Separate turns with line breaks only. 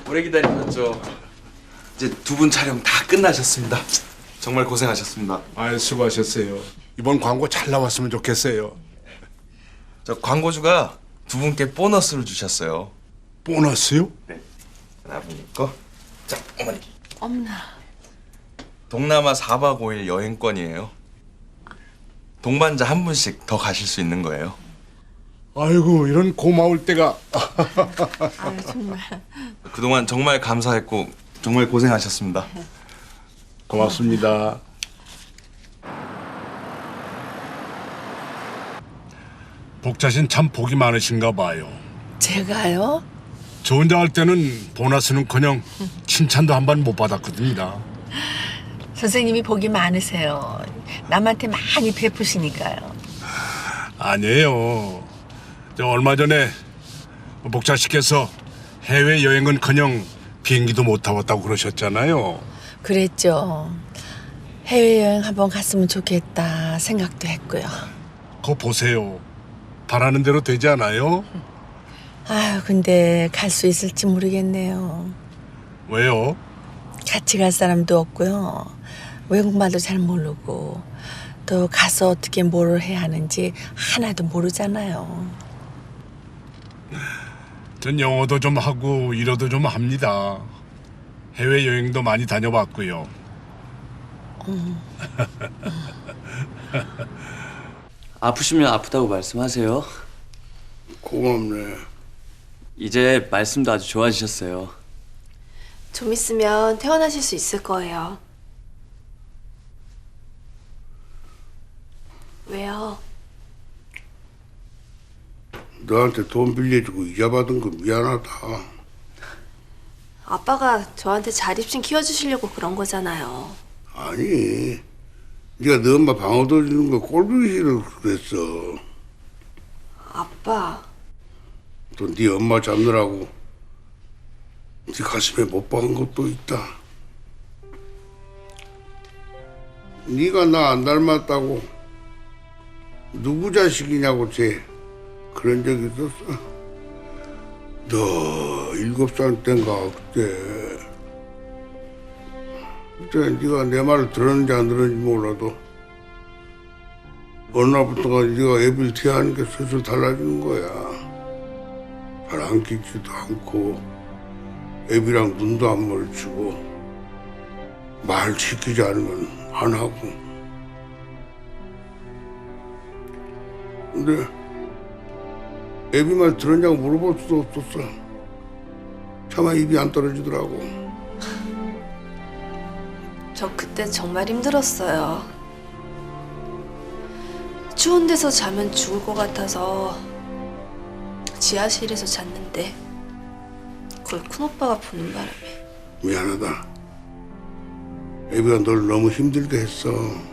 오래 기다리셨죠. 이제 두 분 촬영 다 끝나셨습니다. 정말 고생하셨습니다.
아유, 수고하셨어요. 이번 광고 잘 나왔으면 좋겠어요.
저 광고주가 두 분께 보너스를 주셨어요.
보너스요?
네. 아버님 거. 자, 어머니.
엄나.
동남아 4박 5일 여행권이에요. 동반자 한 분씩 더 가실 수 있는 거예요.
아이고, 이런 고마울 때가.
아유 정말.
그동안 정말 감사했고 정말 고생하셨습니다.
고맙습니다. 복자신 참 복이 많으신가 봐요.
제가요?
저 혼자 할 때는 보너스는커녕 칭찬도 한 번 못 받았거든요.
선생님이 복이 많으세요. 남한테 많이 베푸시니까요.
아니에요. 저 얼마 전에 복자 씨께서 해외 여행은커녕 비행기도 못 타봤다고 그러셨잖아요.
그랬죠. 해외여행 한번 갔으면 좋겠다 생각도 했고요.
그거 보세요. 바라는 대로 되지 않아요?
아유 근데 갈 수 있을지 모르겠네요.
왜요?
같이 갈 사람도 없고요. 외국말도 잘 모르고 또 가서 어떻게 뭘 해야 하는지 하나도 모르잖아요.
전 영어도 좀 하고 일어도 좀 합니다. 해외 여행도 많이 다녀봤고요.
아프시면 아프다고 말씀하세요.
고맙네.
이제 말씀도 아주 좋아지셨어요.
좀 있으면 퇴원하실 수 있을 거예요. 왜요?
너한테 돈 빌려주고 이자 받은 거 미안하다.
아빠가 저한테 자립심 키워주시려고 그런 거잖아요.
아니, 네가 너 엄마 방어도 주는 거 꼴보기 싫어 그랬어.
아빠,
또 네 엄마 잡느라고 네 가슴에 못 박은 것도 있다. 네가 나 안 닮았다고 누구 자식이냐고 쟤 그런 적 있었어. 너 7살 땐가 그때 네가 내 말을 들었는지 안 들었는지 몰라도 어느 날부터가 네가 애비를 태하는 게 슬슬 달라지는 거야. 발 안 끼지도 않고 애비랑 눈도 안 마주치고 말 시키지 않으면 안 하고. 근데 애비 말 들었냐고 물어볼 수도 없었어. 차마 입이 안 떨어지더라고.
저 그때 정말 힘들었어요. 추운 데서 자면 죽을 것 같아서 지하실에서 잤는데 그걸 큰오빠가 보는 바람에
미안하다. 애비가 널 너무 힘들게 했어.